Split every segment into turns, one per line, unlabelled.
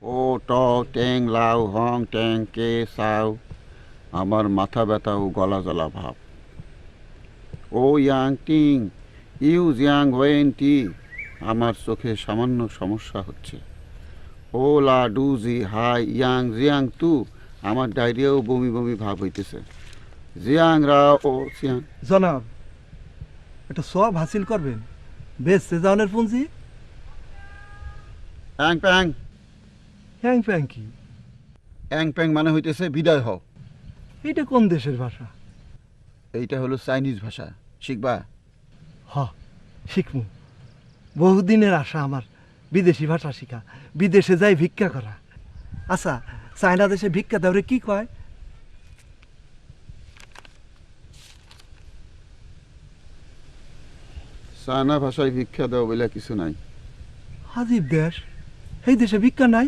ও ট ট্যাং লাউ হং ট্যাং কে সাউ, আমার মাথা ব্যথা ও গলা জ্বলা ভাব। ও ইয়াং টিং ইউ জিয়াং ওয়েন টি, আমার চোখে সামান্য সমস্যা হচ্ছে। ও লা ডু জি হাই ইয়াং জিয়াং তু, আমার ডায়রিয়া ও বমি বমি ভাব হইতেছে। জিয়াং রা ও সিয়াং।
জনাব, একটা সব হাসিল করবেন, বেশ সেজানের পুঁজি।
অ্যাং প্যাং।
হ্যাং প্যাং কি?
অ্যাং প্যাং মানে হইতেছে বিদায় হও।
এটা কোন দেশের ভাষা?
এইটা হলো চাইনিজ ভাষা, শিখবা?
হ, শিখমু। বহুদিনের আশা আমার বিদেশি ভাষা শিখা, বিদেশে যাই ভিক্ষা করা। আচ্ছা, চায়না দেশে ভিক্ষা দেওয়ারে কি কয়?
চায়না ভাষায় ভিক্ষা দেওয়া বলে কিছু নাই।
হাজিব দেশ, এই দেশে ভিক্ষা নাই।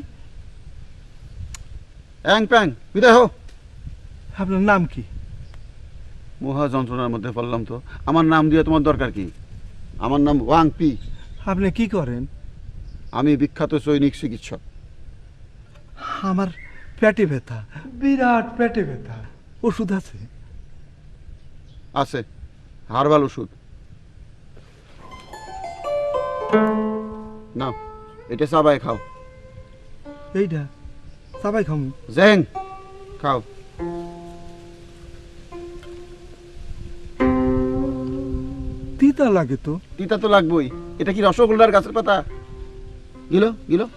অ্যাং প্যাং, বিদায় হও।
আপনার নাম কি?
মহা যন্ত্রণার মধ্যে পড়লাম তো। আমার নাম দিয়ে তোমার দরকার কি? আমার নাম ওয়াং পি।
আপনি কি করেন?
আমি বিখ্যাত সৈনিক চিকিৎসক।
আমার পেটে ব্যথা, বিরাট পেটে ব্যথা। ওষুধ আছে?
আছে, হারবাল ওষুধ। নাও, এটা চাবাই খাও।
এইটা সবাই খামু।
জেং, খাও।
তিতা লাগে তো।
তিতা তো লাগবেই। এটা কি রসগোল্লার গাছের পাতা? গিলো গিলো।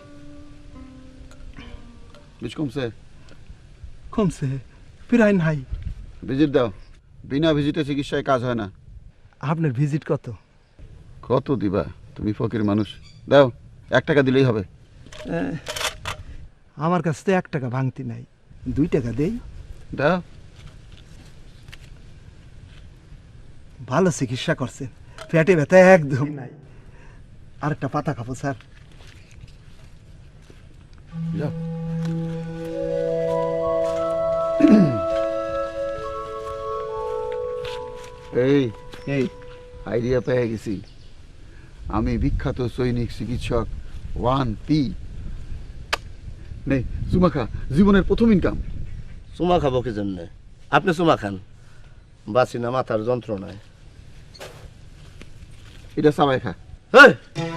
বিষ কমছে?
কমছে, ফিরাই নাই।
ভিজিট দাও। বিনা ভিজিটে চিকিৎসায় কাজ হয় না।
আপনার ভিজিট কত?
কত দিবা? তুমি ফকির মানুষ। দাও, 1 টাকা দিলেই হবে।
আমার কাছে তো 1 টাকা ভাঙতি নাই, 2 টাকা দেই।
দাও।
ভালো চিকিৎসা করছেন, পেটে ব্যথা একদম নাই। আরেকটা পাতা খাবো স্যার।
যাও। এই
এই
আইডিয়া পেয়ে গেছি। আমি বিখ্যাত সৈনিক চিকিৎসক ওয়ান পি। নেই চুমা খা, জীবনের প্রথম ইনকাম।
চুমা খাবো কি জন্যে? আপনি চুমা খান, বাঁচি না মাথার যন্ত্রণায়।
এটা সবাই খা।
হেই!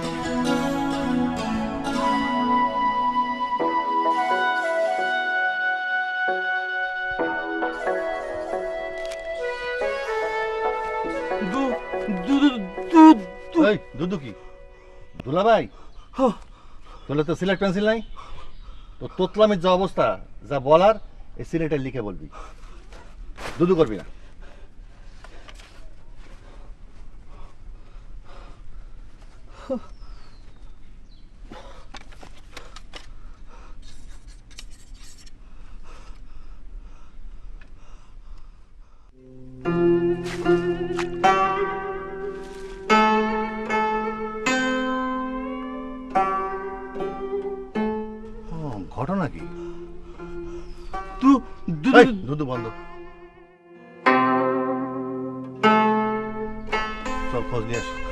এই দুদু কি দুলা ভাই? তোলে তো সিলেট পেন্সিল নাই তো, তোতলামের যা অবস্থা, যা বলার এই সিলেটে লিখে বলবি, দুদু করবি না। ঘটনা কি? এই, দুদু বন্ধ। চল খোঁজ নিয়ে আসি।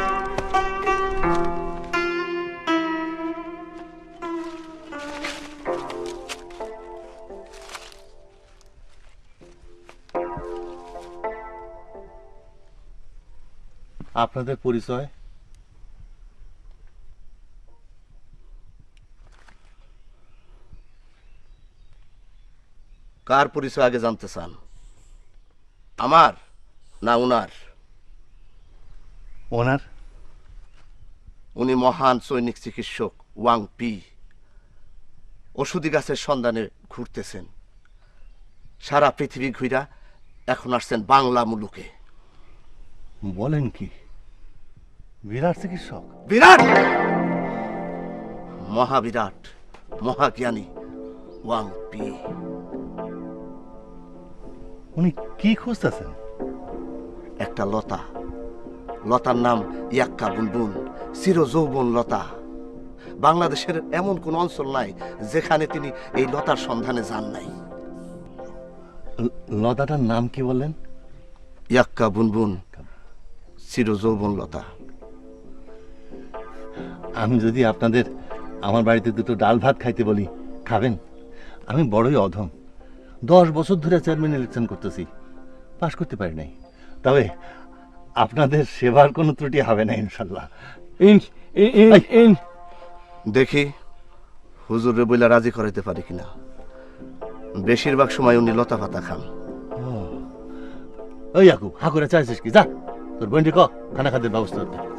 আপনাদের পরিচয়?
কার পরিচয় আগে জানতে চান, আমার না উনার?
ওনার।
উনি মহান সৈনিক চিকিৎসক ওয়াং পি। ওষুধি গাছের সন্ধানে ঘুরতেছেন সারা পৃথিবী ঘুরা, এখন আসছেন বাংলা মুলুকে।
বলেন কি? বিরাট চিকিৎসক?
বিরাট, মহাবিরাট, মহাজ্ঞানী ওয়াং পি।
উনি কি খুঁজতেছেন?
একটা লতা, লতার নাম ইয়াক্কা বুনবুন, চির যৌবন লতা। বাংলাদেশের এমন কোন অঞ্চল নাই যেখানে তিনি এই লতার সন্ধানে যান নাই।
লতাটার নাম কি বললেন?
ইয়াক্কা বুনবুন, চির যৌবন লতা।
আমি যদি আপনাদের আমার বাড়িতে দুটো ডাল ভাত খাইতে বলি, খাবেন? আমি বড়ই অধম, 10 বছর ধরে চেয়ারম্যান ইলেকশন করতেছি, পাশ করতে পারি নাই। তবে আপনাদের সেবার কোনো ত্রুটি হবে না ইনশাল্লাহ।
দেখি হুজুরে বইলা রাজি করাইতে পারি কিনা। বেশিরভাগ সময় উনি লতা পাতা খান।
ওই ইয়াকুব, হা করে চাইছিস কি? যা তোর বোনটি ক খানা খাদ্যের ব্যবস্থা করতে।